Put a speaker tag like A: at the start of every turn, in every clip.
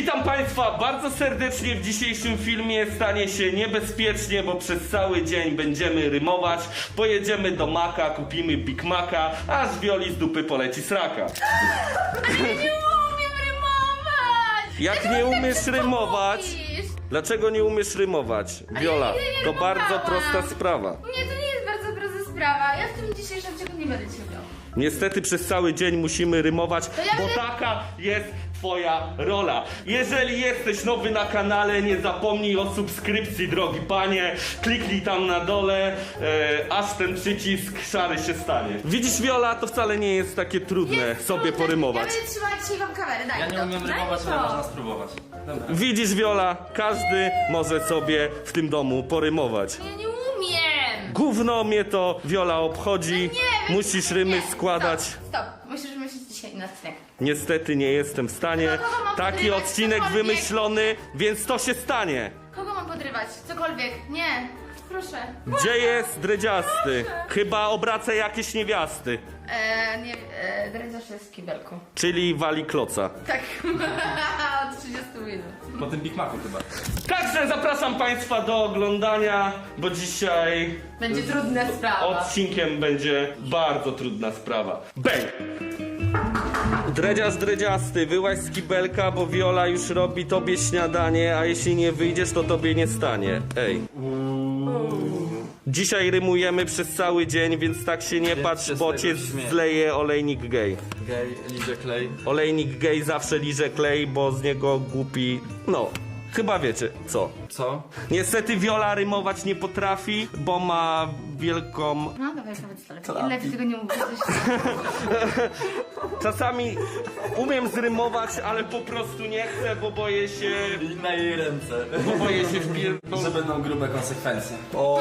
A: Witam Państwa bardzo serdecznie. W dzisiejszym filmie stanie się niebezpiecznie, bo przez cały dzień będziemy rymować. Pojedziemy do Maka, kupimy Big Maca, aż Wioli z dupy poleci sraka.
B: Ale ja nie umiem rymować!
A: Jak nie umiesz rymować? Dlaczego nie umiesz rymować? Wiola,
B: ja nie
A: to bardzo
B: rymowałam.
A: prosta sprawa.
B: Nie, to nie jest bardzo prosta sprawa. Ja w tym dzisiejszym ciągu nie będę cię umiał.
A: Niestety przez cały dzień musimy rymować,
B: ja
A: bo
B: będę-
A: taka jest twoja rola. Jeżeli jesteś nowy na kanale, nie zapomnij o subskrypcji, drogi panie. Kliknij tam na dole, aż ten przycisk szary się stanie. Widzisz, Wiola, to wcale nie jest takie trudne sobie porymować.
B: Ja będę trzymać dzisiaj wam kamerę, daj
C: Ja
B: mi
C: nie
B: to.
C: umiem
B: Daj mi
C: rymować,
B: to.
C: ale można spróbować. Dobra.
A: Widzisz, Wiola, każdy może sobie w tym domu porymować.
B: Ja nie umiem!
A: Gówno mnie to, Wiola, obchodzi.
B: Nie wiem,
A: Musisz rymy
B: nie.
A: składać.
B: Stop. Musisz myśleć dzisiaj na odcinek.
A: Niestety nie jestem w stanie.
B: Kogo mam
A: Taki
B: podrywać?
A: odcinek
B: Cokolwiek.
A: wymyślony, więc to się stanie.
B: Kogo mam podrywać? Cokolwiek. Nie. Proszę.
A: Gdzie jest dredziasty? Chyba obraca jakieś niewiasty.
B: Nie, dredziarz jest w kibelku.
A: Czyli wali kloca.
B: Tak. Od 30 minut.
C: Po tym Big Macu chyba.
A: Także zapraszam Państwa do oglądania, bo dzisiaj
B: Będzie trudna sprawa.
A: odcinkiem będzie bardzo trudna sprawa. Bang! Dredziasty, wyłaź z kibelka, bo Wiola już robi tobie śniadanie, a jeśli nie wyjdziesz, to tobie nie stanie. Ej. Dzisiaj rymujemy przez cały dzień, więc tak się nie patrz,
C: się
A: bo
C: z
A: cię
C: tego śmieję.
A: zleje olejnik gej.
C: Gej, liże klej.
A: Olejnik gej zawsze liże klej, bo z niego głupi... No, chyba wiecie co.
C: Co?
A: Niestety Wiola rymować nie potrafi, bo ma wielką...
B: No dawaj, nawet lepiej tego nie mówię.
A: Czasami umiem zrymować, ale po prostu nie chcę, bo boję się...
C: I na jej ręce.
A: Bo boję się wpierdol...
C: Że będą grube konsekwencje.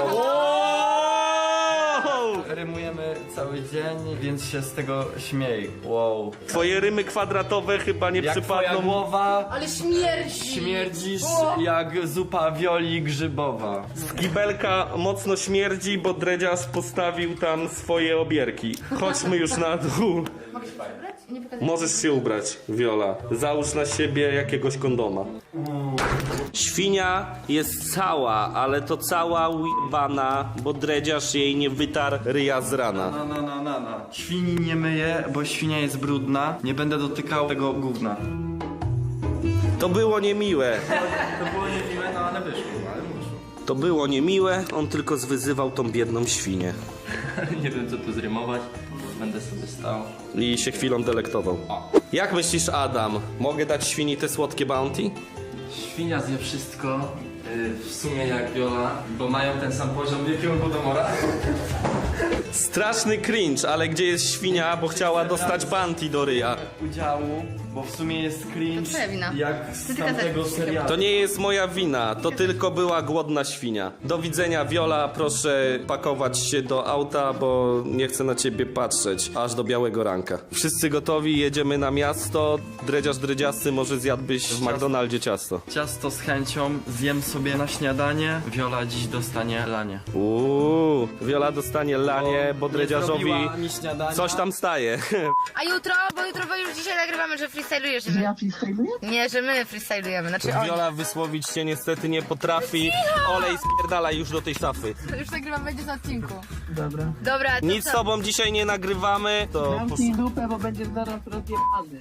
C: Rymujemy cały dzień, więc się z tego śmiej. Wow.
A: Twoje rymy kwadratowe chyba nie
C: Jak twoja
A: przypadną...
C: głowa,
B: Ale śmierdzi!
C: śmierdzisz jak zupa Wioli grzybowa.
A: Z kibelka mocno śmierdzi, bo dredziarz postawił tam swoje obierki. Chodźmy już na dół.
B: Mogę się przebrać? Nie pokazuję.
A: Możesz się ubrać, Wiola. Załóż na siebie jakiegoś kondoma. Świnia jest cała, ale to cała ujebana, bo dredziarz jej nie wytarł ryja z rana.
C: No. Świni nie myję, bo świnia jest brudna. Nie będę dotykał tego gówna.
A: To było niemiłe.
C: To było niemiłe, no ale wyszło.
A: To było niemiłe, on tylko zwyzywał tą biedną świnię.
C: Nie wiem co tu zrymować. Będę sobie stał.
A: I się chwilą delektował. Jak myślisz, Adam? Mogę dać świni te słodkie bounty?
C: Świnia zje wszystko, w sumie jak Viola, bo mają ten sam poziom wielkiego głodomora.
A: Straszny cringe, ale gdzie jest świnia, bo chciała dostać bounty do ryja?
C: Udziału, bo w sumie jest cringe
B: To twoja wina.
C: jak
B: Ty
C: z
B: tylko
C: tamtego
B: zepsuł.
C: serialu.
A: To nie jest moja wina, to tylko była głodna świnia. Do widzenia, Wiola, proszę pakować się do auta, bo nie chcę na ciebie patrzeć, aż do białego ranka. Wszyscy gotowi, jedziemy na miasto. Dredziasty, może zjadłbyś w McDonaldzie ciasto.
C: Ciasto z chęcią zjem sobie na śniadanie. Viola dziś dostanie lanie.
A: Wiola dostanie lanie, bo
C: nie
A: dredziarzowi
C: zrobiła mi śniadania.
A: coś tam staje.
B: A jutro, bo jutro już dzisiaj nagrywamy, że freestylujesz.
D: Że ja freestyluję?
B: Nie, że my freestylujemy. Znaczy on.
A: Wiola wysłowić się niestety nie potrafi. Olej spierdala już do tej szafy.
B: Już nagrywamy, będzie na odcinku.
D: Dobra.
B: Dobra, to
A: Nic
B: co?
A: z tobą dzisiaj nie nagrywamy. To
D: Zamknij dupę, bo będziesz zaraz rozjebany.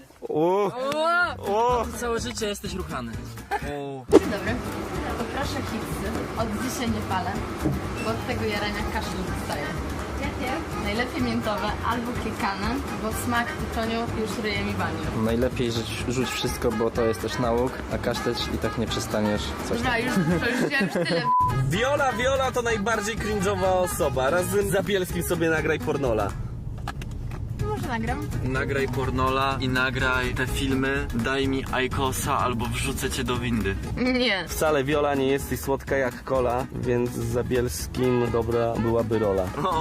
C: Całe życie jesteś ruchany.
B: Dzień dobry. Poproszę chipsy. Od dzisiaj nie palę, bo od tego jarania kaszel dostaję. Jakie? Najlepiej miętowe albo kiekane, bo smak tytoniu już ryje mi baniu.
E: Najlepiej rzuć wszystko, bo to jest też nauk, a kaszteć i tak nie przestaniesz coś tam.
B: Dobra, już wziąłem tyle.
A: Viola to najbardziej cringe'owa osoba. Razem z Zabielskim sobie nagraj pornola.
B: Może nagram?
C: Nagraj pornola i nagraj te filmy, daj mi ajkosa albo wrzucę cię do windy.
B: Nie.
A: Wcale, Viola, nie jesteś słodka jak kola, więc z Zabielskim dobra byłaby rola.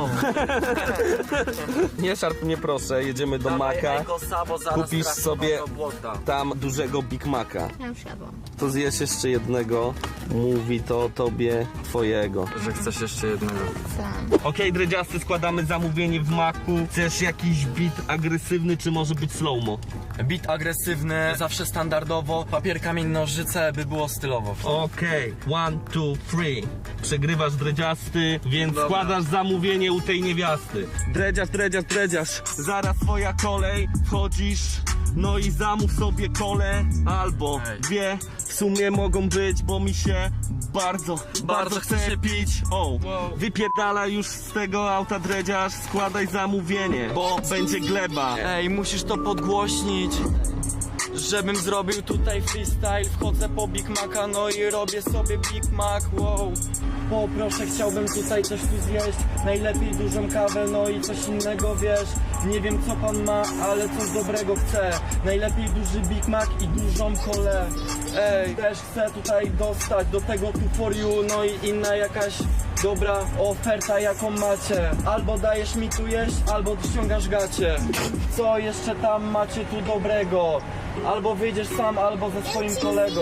A: Nie szarp mnie proszę, jedziemy do Maka.
C: Ajkosa, bo zaraz
A: Kupisz
C: trafi
A: sobie
C: do błota.
A: tam dużego Big Maca.
B: Ja już jadłam.
A: To zjesz jeszcze jednego, mówi to o tobie twojego.
C: Że chcesz jeszcze jednego.
B: Sam.
A: Okej, dredziasty, składamy zamówienie w Macu. Chcesz jakiś beat agresywny, czy może być slow-mo?
F: Beat agresywny, zawsze standardowo. Papier, kamień, nożyce, by było stylowo.
A: Okej, 1, 2, 3. Przegrywasz dredziasty, więc składasz zamówienie u tej niewiasty. Dredziarz. Zaraz twoja kolej, wchodzisz, no i zamów sobie kolę albo dwie. W sumie mogą być, bo mi się bardzo chce się pić. Wypierdala już z tego auta dredziarz, składaj zamówienie, bo będzie gleba.
F: Ej, musisz to podgłośnić, żebym zrobił tutaj freestyle. Wchodzę po Big Maca, no i robię sobie Big Mac, wow. Poproszę, chciałbym tutaj coś tu zjeść. Najlepiej dużą kawę, no i coś innego, wiesz. Nie wiem co pan ma, ale coś dobrego chcę. Najlepiej duży Big Mac i dużą kolę. Ej, też chcę tutaj dostać do tego tu for you, no i inna jakaś dobra oferta jaką macie. Albo dajesz mi tu jeść, albo ściągasz gacie. Co jeszcze tam macie tu dobrego? Albo wyjdziesz sam, albo ze swoim kolegą.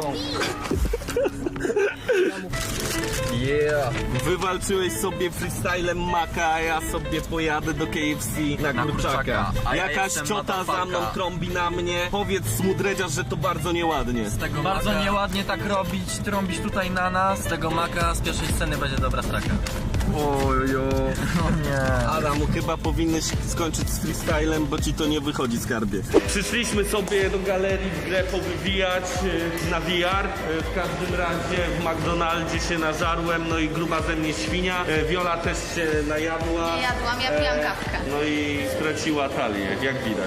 A: Wywalczyłeś sobie freestylem Maka, a ja sobie pojadę do KFC na kurczaka.
F: A ja
A: Jakaś
F: jestem
A: ciota za
F: motherfucker.
A: mną trąbi na mnie. Powiedz mu dredziarz, że to bardzo nieładnie.
F: Bardzo nieładnie tak robić, trąbić tutaj na nas. Z tego Maka z pierwszej sceny będzie dobra straka.
A: Ojo.
F: O nie.
A: Adamu, chyba powinieneś skończyć z freestylem, bo ci to nie wychodzi, skarbie. Przyszliśmy sobie do galerii w grę powywijać na VR. W każdym razie w McDonaldzie się nażarłem, no i gruba ze mnie świnia. Wiola też się najadła.
B: Nie jadłam, ja pijam kawkę.
A: No i straciła talię, jak widać.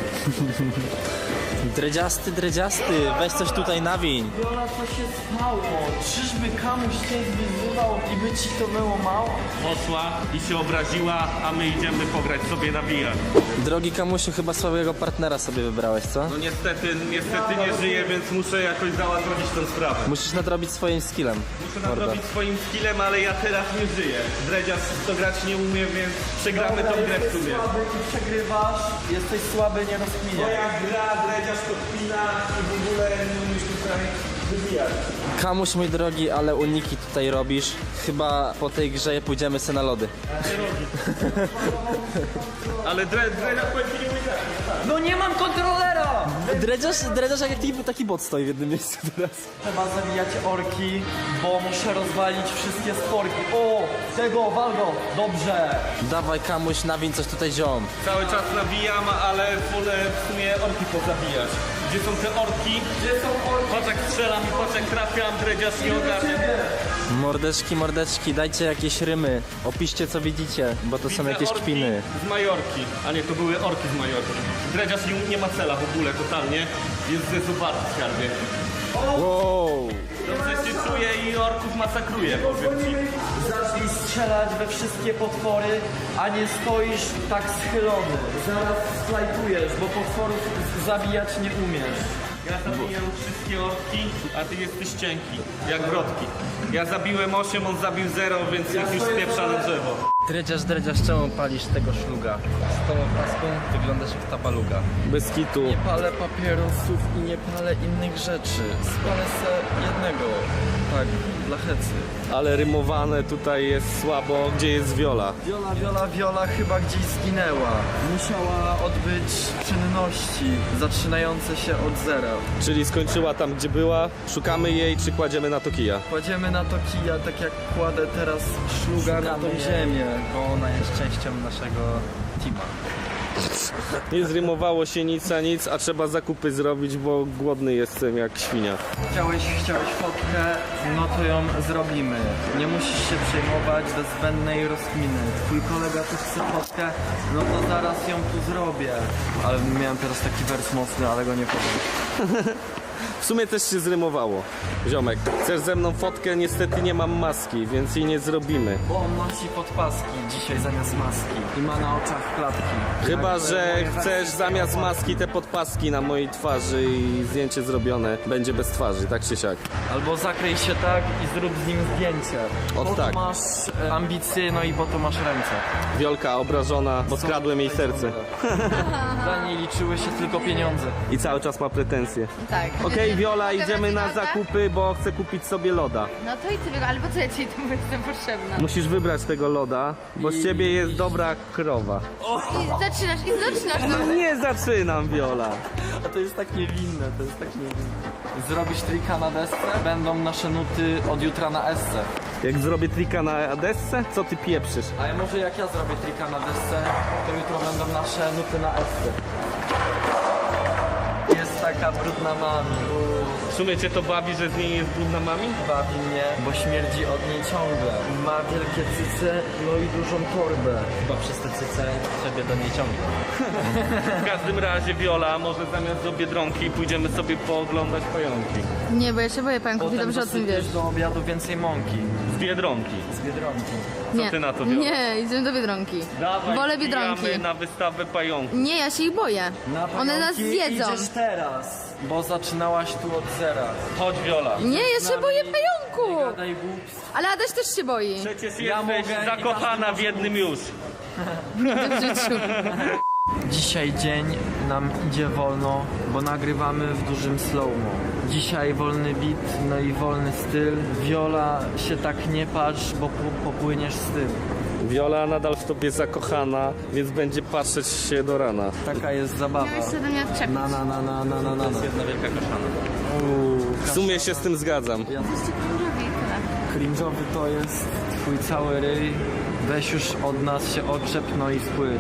E: Dredziasty, weź coś tutaj nawiń.
F: Wiola, co się stało? Czyżby kamuś cię zwyzywał i by ci to było mało?
A: Poszła i się obraziła, a my idziemy pograć sobie na VR.
E: Drogi Kamusiu, chyba słabego partnera sobie wybrałeś, co?
A: No niestety nie żyję, więc muszę jakoś załatwić tę sprawę.
E: Musisz nadrobić swoim skillem.
A: Muszę nadrobić swoim skillem, ale ja teraz nie żyję. Dredziarz to grać nie umie, więc przegramy tą grę w sumie.
F: Słaby i przegrywasz, jesteś słaby, nie rozkminiaj.
A: Moja gra, dredziarz to kpina i w ogóle nie umiesz tutaj wybijać.
E: Kamuś, mój drogi, ale uniki tutaj robisz. Chyba po tej grze pójdziemy se na lody.
A: Ale dredziarz powiem ci nie mój grać.
F: No nie mam kontrolera!
E: Dredziarz jak taki bot stoi w jednym miejscu teraz.
F: Trzeba zabijać orki, bo muszę rozwalić wszystkie sporki. O, tego, wal go, dobrze.
E: Dawaj Kamuś, nawiń coś tutaj ziom.
A: Cały czas nawijam, ale wolę w sumie orki pozabijać. Gdzie są te orki? Gdzie są orki? Patrz jak strzelam i patrz jak trafiam, dredziarz nie ogarnia.
E: Mordeczki, dajcie jakieś rymy. Opiszcie co widzicie, bo to są
A: Widzę
E: jakieś
A: orki
E: kpiny.
A: z Majorki, a nie, to były orki z Majorki. Dredziarz nie ma cela w ogóle, totalnie. Jest zezuwarty w skarbie.
E: Wow.
A: Dobrze się czuje i orków masakruje, powiem ci.
F: Zacznij strzelać we wszystkie potwory, a nie stoisz tak schylony. Zaraz slajpujesz, bo potworów zabijać nie umiesz.
A: Ja zabijam wszystkie orki, a ty jesteś cienki, jak wrotki. Ja zabiłem 8, on zabił 0, więc niech już spieprza na drzewo.
E: Dredziarz, czemu palisz tego szluga? Z tą opaską wyglądasz jak tabaluga. Bez kitu.
F: Nie palę papierosów i nie palę innych rzeczy. Spalę se jednego. Tak, dla hecy.
A: Ale rymowane tutaj jest słabo. Gdzie jest Wiola?
F: Wiola chyba gdzieś zginęła. Musiała odbyć czynności zaczynające się od zera.
A: Czyli skończyła tam, gdzie była. Szukamy jej, czy kładziemy na to kija?
F: Kładziemy na to kija, tak jak kładę teraz szluga na tą ziemię.
E: Bo ona jest częścią naszego teama.
A: Nie zrymowało się nic a nic, a trzeba zakupy zrobić, bo głodny jestem jak świnia.
F: Chciałeś fotkę, no to ją zrobimy. Nie musisz się przejmować bez zbędnej rozkminy. Twój kolega tu chce fotkę, no to zaraz ją tu zrobię. Ale miałem teraz taki wers mocny, ale go nie powiem.
A: W sumie też się zrymowało. Ziomek, chcesz ze mną fotkę? Niestety nie mam maski, więc jej nie zrobimy.
F: Bo on nosi podpaski dzisiaj zamiast maski i ma na oczach klatki.
A: Chyba, że chcesz zamiast maski te podpaski na mojej twarzy i zdjęcie zrobione będzie bez twarzy, tak czy siak.
F: Albo zakryj się tak i zrób z nim zdjęcie.
A: O,
F: Po
A: tak.
F: to masz ambicje, no i po to masz ręce.
A: Wiolka obrażona, bo skradłem jej serce.
F: Dla niej liczyły się tylko pieniądze.
A: I cały czas ma pretensje.
B: Tak.
A: Okej, Wiola,
B: Mogę
A: idziemy
B: dać
A: na
B: loda?
A: zakupy, bo chcę kupić sobie loda.
B: No to idź sobie go, ale po co ja ci tu jestem potrzebna?
A: Musisz wybrać tego loda, bo z ciebie jest dobra krowa.
B: I zaczynasz, no.
A: Nie zaczynam, Wiola.
F: A to jest tak niewinne, to jest tak niewinne. Zrobisz trika na desce, będą nasze nuty od jutra na esce.
A: Jak zrobię trika na desce, co ty pieprzysz?
F: Ale może jak ja zrobię trika na desce, to jutro będą nasze nuty na esce. Jest taka brudna mami.
A: W sumie cię to bawi, że z niej jest brudna mami?
F: Bawi mnie, bo śmierdzi od niej ciągle. Ma wielkie cyce, no i dużą torbę.
E: Chyba przez te cyce sobie do niej ciągnie.
A: W każdym razie, Wiola, może zamiast do Biedronki pójdziemy sobie pooglądać pająki.
B: Nie, bo ja się boję pająków i dobrze o tym wiesz.
F: dosypiesz do obiadu więcej mąki.
A: Z Biedronki.
F: Z Biedronki.
B: Nie,
A: ty na to, Wiola?
B: nie, idziemy do Biedronki.
A: Dawaj,
B: Wolę
A: wbijamy
B: Biedronki.
A: na wystawę pająków.
B: Nie, ja się ich boję.
F: Na
B: One nas
F: pająki
B: zjedzą.
F: idziesz teraz, bo zaczynałaś tu od zera.
A: Chodź, Wiola.
B: Nie, ja się boję
F: Nie
B: pająku.
F: gadaj głupstw.
B: Ale Adaś też się boi.
A: Przecież
F: Ja
A: jesteś
F: mogę i
A: zakochana w jednym już.
B: W życiu.
F: Dzisiaj dzień nam idzie wolno, bo nagrywamy w dużym slow-mo. Dzisiaj wolny beat, no i wolny styl. Wiola, się tak nie patrz, bo popłyniesz z tym.
A: Viola nadal w tobie zakochana, więc będzie patrzeć się do rana.
F: Taka jest zabawa.
B: Miałeś się do mnie odczepić.
F: Na.
E: Jedna wielka kaszana.
A: W sumie się z tym zgadzam.
B: Jesteście krążowi i tyle.
F: Cringe'owy to jest twój cały ryj. Weź już od nas się odczep, no i spłyń.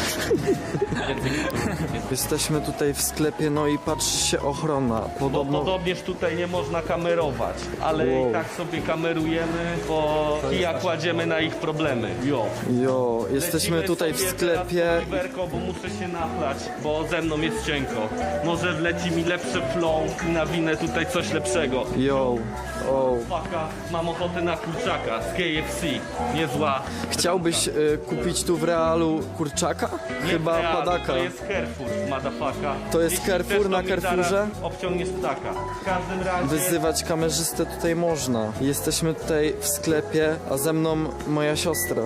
F: Jesteśmy tutaj w sklepie, no i patrzy się ochrona.
A: Bo
F: Podobno
A: podobnież tutaj nie można kamerować, ale
F: Wow.
A: i tak sobie kamerujemy, bo kija kładziemy na ich problemy. Jo.
F: Jo, jesteśmy
A: Lecimy
F: tutaj w
A: sobie
F: sklepie.
A: teraz po Oliverko, bo muszę się nachlać, bo ze mną jest cienko. Może wleci mi lepszy flow i nawinę tutaj coś lepszego.
F: Jo, o.
A: Faka, mam ochotę na kurczaka z KFC. Niezła.
F: Chciałbyś kupić tu w realu kurczaka?
A: Nie
F: Chyba
A: Real,
F: padaka.
A: To jest Carrefour, madafaka.
F: To jest
A: Jeśli
F: Carrefour
A: chcesz, to
F: na
A: mi
F: Carrefourze?
A: zaraz obciągniesz ptaka. W każdym razie...
F: Wyzywać kamerzystę tutaj można. Jesteśmy tutaj w sklepie, a ze mną moja siostra.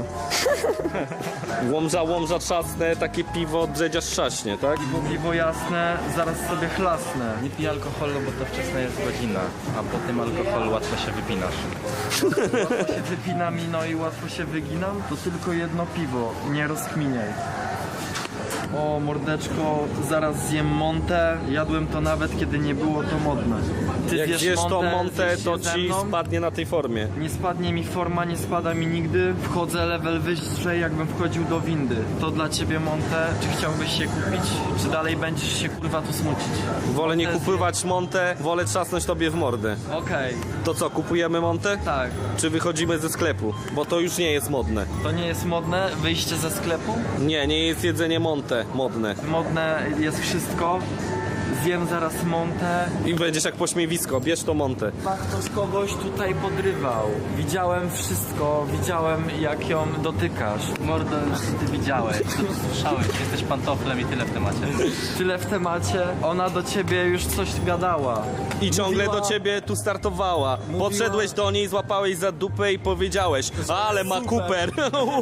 A: Łomża trzasnę, takie piwo drzedzia trzaśnie, tak?
F: Piwo jasne, zaraz sobie chlasnę.
E: Nie pij alkoholu, bo to wczesna jest godzina, a po tym alkoholu łatwo się wypinasz.
F: Łatwo się wypina mi, no i łatwo się wyginam. To tylko jedno piwo, nie rozkminiaj. O mordeczko, zaraz zjem montę. Jadłem to nawet kiedy nie było to modne. Ty
A: Jak zjesz to montę,
F: zjesz
A: to
F: się ze
A: ci
F: mną?
A: spadnie na tej formie.
F: Nie spadnie mi forma, nie spada mi nigdy. Wchodzę level wyżej, jakbym wchodził do windy. To dla ciebie montę. Czy chciałbyś się kupić? Czy dalej będziesz się kurwa tu smucić?
A: Wolę nie
F: Montę
A: kupować montę, wolę trzasnąć tobie w mordę.
F: Okej,
A: To co, kupujemy montę?
F: tak.
A: Czy wychodzimy ze sklepu? Bo to już nie jest modne.
F: To nie jest modne, wyjście ze sklepu.
A: Nie jest jedzenie montę modne.
F: Modne jest wszystko. Zjem zaraz montę.
A: I będziesz jak pośmiewisko, bierz to montę.
F: Chyba ktoś kogoś tutaj podrywał. Widziałem wszystko, widziałem jak ją dotykasz.
E: Mordo, ty widziałeś, słyszałeś, jesteś pantoflem i tyle w temacie.
F: Tyle w temacie, ona do ciebie już coś gadała.
A: I ciągle
F: Mówiła-
A: do ciebie tu startowała. Podszedłeś do niej, złapałeś za dupę i powiedziałeś: ale ma Cooper.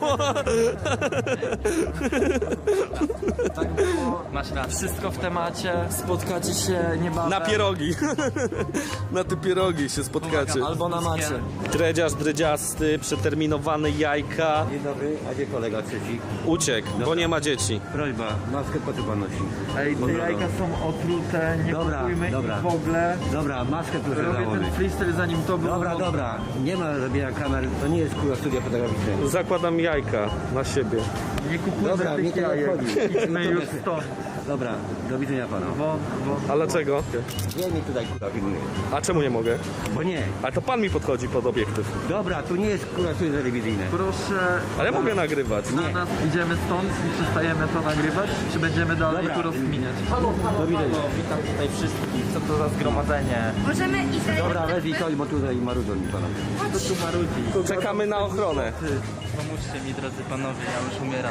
F: Tak było.
E: Masz rację.
F: Wszystko w temacie, spotkacie się niebawem.
A: Na pierogi. Na te pierogi się spotkacie.
F: Albo na macie.
A: Dredziarz dredziasty, przeterminowany jajka.
G: Dzień dobry, a gdzie kolega trzeci?
A: Uciekł, bo nie ma dzieci.
G: Prośba, maskę po co pan nosi?
F: Ej, te
G: Dobra,
F: jajka są otrute, nie
G: Dobra,
F: kupujmy
G: dobra.
F: ich w ogóle.
G: Dobra, maskę proszę
F: Robię ten
G: założyć.
F: freestyle zanim to było.
G: Dobra, dobra, nie ma robienia kamer, to nie jest kurwa studia fotograficznego.
A: Zakładam jajka na siebie.
F: Nie kupujmy
G: Dobra, mnie
F: tych
G: to nie
F: jajek.
G: obchodzi.
F: Idźmy już stąd.
G: Dobra, do widzenia pana.
A: A dlaczego?
G: Nie mi tutaj kurwa filmuje.
A: A czemu nie mogę?
G: Bo nie.
A: A to pan mi podchodzi pod obiektyw.
G: Dobra, tu nie jest kurwa studia telewizyjne.
F: Proszę,
A: Ale mogę nagrywać.
F: na nas idziemy stąd i przestajemy to nagrywać? Czy będziemy dalej
G: Dobra.
F: tu rozkminiać?
G: Do widzenia.
E: Witam tutaj wszystkich, co to za zgromadzenie?
B: Możemy iść dalej.
G: Dobra, wezwij coś, bo tutaj marudzą mi pana.
E: To tu marudzi.
A: Czekamy na ochronę.
E: Pomóżcie mi, drodzy panowie, ja już umieram.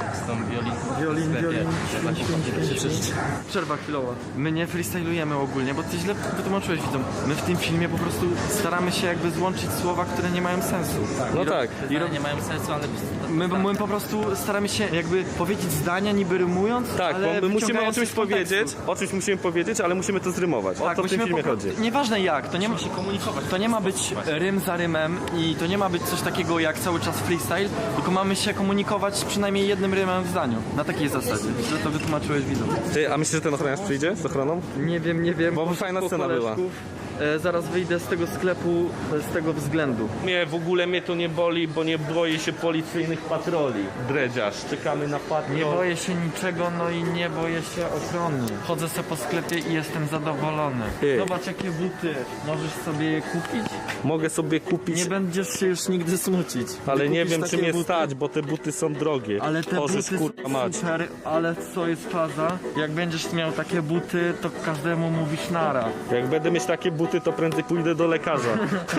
E: z tą violinką w sklepie.
F: Przerwa chwilowa. My nie freestylujemy ogólnie, bo ty źle wytłumaczyłeś widzom. My w tym filmie po prostu staramy się jakby złączyć słowa, które nie mają sensu.
A: No tak.
E: Nie mają sensu, ale...
F: My po prostu staramy się jakby powiedzieć zdania niby rymując,
A: Tak,
F: ale
A: bo my musimy o
F: wyciągając
A: czymś
F: z kontekstu.
A: powiedzieć, ale musimy to zrymować. O to w tym
F: musimy
A: filmie
F: po prostu-
A: chodzi.
F: Nieważne jak, to nie ma się komunikować. To nie ma być rym za rymem i to nie ma być coś takiego jak cały czas freestyle, tylko mamy się komunikować przynajmniej jednym rymem w zdaniu. Na takiej zasadzie. Źle to wytłumaczyłeś widzom.
A: Ty, a myślisz, że ten ochroniarz przyjdzie z ochroną?
F: Nie wiem.
A: Bo fajna
F: Po
A: scena była.
F: koleżków. Zaraz wyjdę z tego sklepu z tego względu.
A: Mnie to nie boli, bo nie boję się policyjnych patroli. Dredziarz, czekamy na patrol.
F: Nie boję się niczego, no i nie boję się ochrony. Chodzę sobie po sklepie i jestem zadowolony.
A: Ty.
F: Zobacz jakie buty. Możesz sobie je kupić?
A: Mogę sobie kupić,
F: Nie będziesz się już nigdy smucić.
A: ale
F: Ty
A: nie
F: kupisz
A: wiem, czy
F: takie
A: mnie
F: buty?
A: stać, bo te buty są drogie.
F: Ale te
A: Orzesz,
F: buty
A: kurwa mać.
F: są super, ale co jest faza? Jak będziesz miał takie buty, to każdemu mówisz nara.
A: Jak będę mieć takie buty, to prędzej pójdę do lekarza.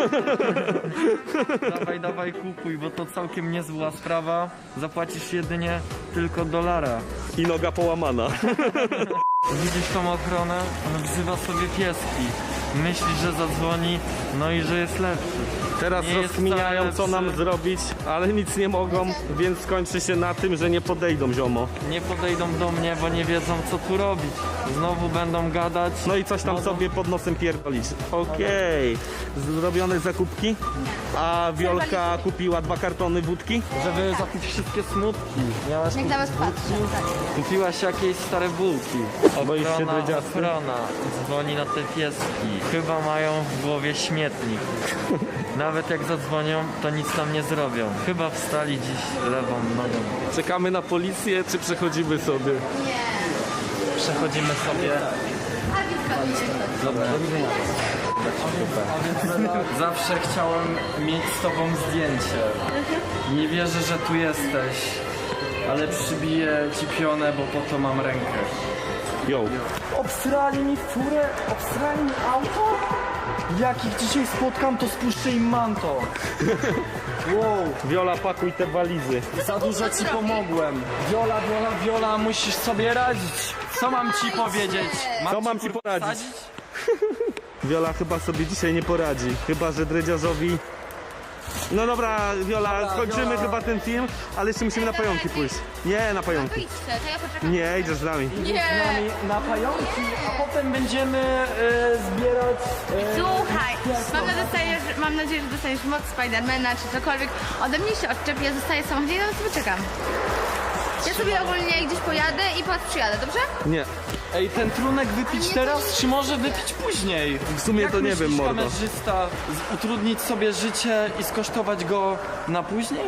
F: Dawaj, kupuj, bo to całkiem niezła sprawa. Zapłacisz jedynie tylko $1.
A: I noga połamana.
F: Widzisz tą ochronę? On wzywa sobie pieski. Myśli, że zadzwoni, no i że jest lepszy.
A: Teraz
F: Nie jest
A: rozkminiają,
F: wcale
A: co nam
F: lepszy.
A: zrobić, ale nic nie mogą, więc skończy się na tym, że nie podejdą, ziomo.
F: Nie podejdą do mnie, bo nie wiedzą co tu robić. Znowu będą gadać.
A: No i coś tam sobie pod nosem pierdolić. Okej. Zrobione zakupki? A Wiolka kupiła 2 kartony wódki?
F: Żeby zapić wszystkie smutki. Miałaś
B: Jak na was patrzę, tak.
F: Kupiłaś jakieś stare bułki.
A: Boisz się dredziasty?
F: Ochrona dzwoni na te pieski. Chyba mają w głowie śmietnik. Nawet jak zadzwonią, to nic nam nie zrobią. Chyba wstali dziś lewą nogą.
A: Czekamy na policję, czy przechodzimy sobie?
F: Przechodzimy sobie.
B: A więc zgadujcie kto.
F: Zawsze chciałem mieć z tobą zdjęcie. Nie wierzę, że tu jesteś. Ale przybiję ci pionę, bo po to mam rękę.
A: Yo.
F: Obsrali mi furę, obsrali mi auto? Jak ich dzisiaj spotkam, to spuszczę im manto. Wow,
A: Wiola, pakuj te walizy.
F: za dużo ci pomogłem. Wiola, musisz sobie radzić. Co mam ci powiedzieć?
A: Co mam ci poradzić?
F: Sadzić?
A: Wiola chyba sobie dzisiaj nie poradzi. Chyba, że dredziarzowi... No dobra, Wiola, skończymy
F: Wiola.
A: chyba ten film, ale jeszcze musimy na pająki pójść. Nie, na
B: To
A: pająki.
B: idźcie, to ja poczekam.
A: Nie, idziesz z nami.
B: Nie.
F: Na pająki, a potem będziemy zbierać...
B: Słuchaj, mam nadzieję, że dostaniesz moc Spidermana czy cokolwiek. Ode mnie się odczep, ja zostaję w samochodzie i na sobie czekam. Ja sobie ogólnie gdzieś pojadę i po was przyjadę, dobrze?
A: Nie.
F: Ej, ten trunek wypić
B: nie,
F: teraz, czy może wypić później?
A: W sumie
F: Jak
A: to nie
F: myślisz,
A: wiem, mordo.
F: kamerzysta, utrudnić sobie życie i skosztować go na później?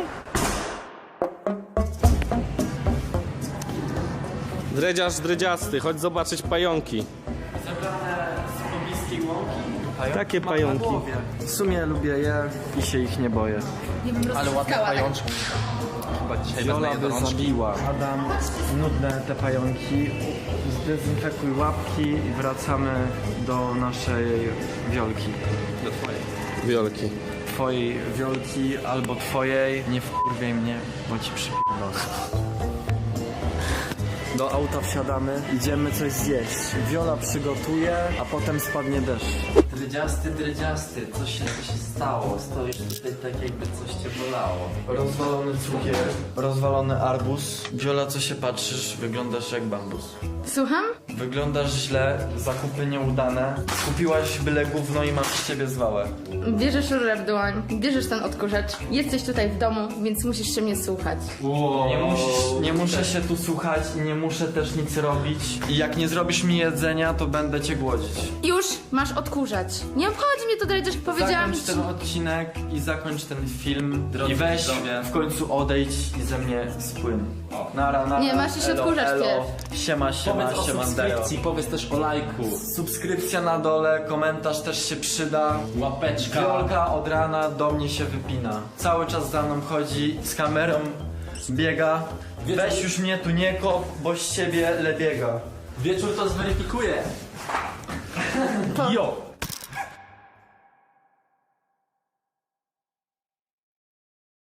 A: Dredziarz, dredziasty, chodź zobaczyć pająki.
F: Zebrane z pobliskiej łąki.
A: Takie pająki.
F: W sumie lubię je i się ich nie boję.
B: Nie bym
E: Ale ładne
B: rozciskała, tak?
E: pajączki. Chyba dzisiaj wezmę
F: Viola
E: je do
F: by
E: rączki.
F: zabiła. Adam, nudne te pająki. Zdezynfekuj łapki i wracamy do naszej Wiolki.
E: Do twojej.
A: Wiolki.
F: Twojej Wiolki albo twojej. Nie wkurwiej mnie, bo ci przypierdolę. Do auta wsiadamy, idziemy coś zjeść. Wiola przygotuje, a potem spadnie deszcz.
E: Dredziasty, coś się stało. Stoisz tutaj tak jakby coś cię bolało.
F: Rozwalony cukier, rozwalony arbuz. Wiola, co się patrzysz? Wyglądasz jak bambus.
B: Słucham?
F: Wyglądasz źle, zakupy nieudane. Kupiłaś byle gówno i masz z ciebie zwałę.
B: Bierzesz rurę w dłoń, bierzesz ten odkurzacz. Jesteś tutaj w domu, więc musisz się mnie słuchać.
F: Nie muszę się tu słuchać i nie muszę też nic robić. I jak nie zrobisz mi jedzenia, to będę cię głodzić.
B: Już masz odkurzać. Nie obchodzi mnie to, Dredziarz, powiedziałam
F: Zakończ
B: ci.
F: ten odcinek i zakończ ten film.
E: Drodzy
F: I weź
E: widzowie.
F: w końcu odejdź i ze mnie spłyn. Nara.
B: Nie, masz się odkurzać
F: Siema,
E: Powiedz o
F: siema,
E: subskrypcji, powiedz też o lajku.
F: Subskrypcja na dole, komentarz też się przyda.
E: Łapeczka.
F: Wiolka od rana do mnie się wypina. Cały czas za mną chodzi, z kamerą biega. Weź już mnie tu nie kop, bo z ciebie lebiega.
E: Wieczór to zweryfikuje.
F: Jo!